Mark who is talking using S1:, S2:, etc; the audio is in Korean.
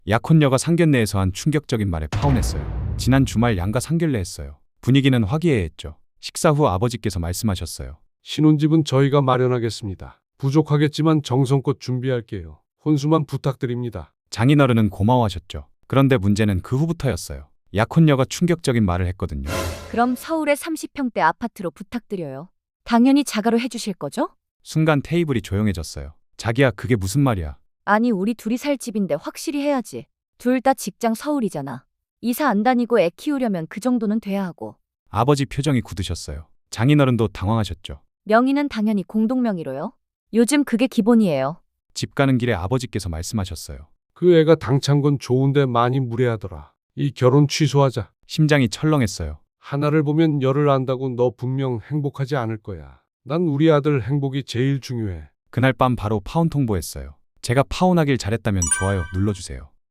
S1: 약혼녀가 상견례에서 한 충격적인 말에 파혼했어요. 지난 주말 양가 상견례 했어요. 분위기는 화기애애했죠. 식사 후 아버지께서 말씀하셨어요.
S2: 신혼집은 저희가 마련하겠습니다. 부족하겠지만 정성껏 준비할게요. 혼수만 부탁드립니다.
S1: 장인어른은 고마워하셨죠. 그런데 문제는 그 후부터였어요. 약혼녀가 충격적인 말을 했거든요.
S3: 그럼 서울의 30평대 아파트로 부탁드려요. 당연히 자가로 해주실 거죠?
S1: 순간 테이블이 조용해졌어요. 자기야, 그게 무슨 말이야?
S3: 아니, 우리 둘이 살 집인데 확실히 해야지. 둘 다 직장 서울이잖아. 이사 안 다니고 애 키우려면 그 정도는 돼야 하고.
S1: 아버지 표정이 굳으셨어요. 장인어른도 당황하셨죠.
S3: 명의는 당연히 공동명의로요. 요즘 그게 기본이에요.
S1: 집 가는 길에 아버지께서 말씀하셨어요.
S2: 그 애가 당찬 건 좋은데 많이 무례하더라. 이 결혼 취소하자.
S1: 심장이 철렁했어요.
S2: 하나를 보면 열을 안다고 너 분명 행복하지 않을 거야. 난 우리 아들 행복이 제일 중요해.
S1: 그날 밤 바로 파혼 통보했어요. 제가 파혼하길 잘했다면 좋아요 눌러주세요.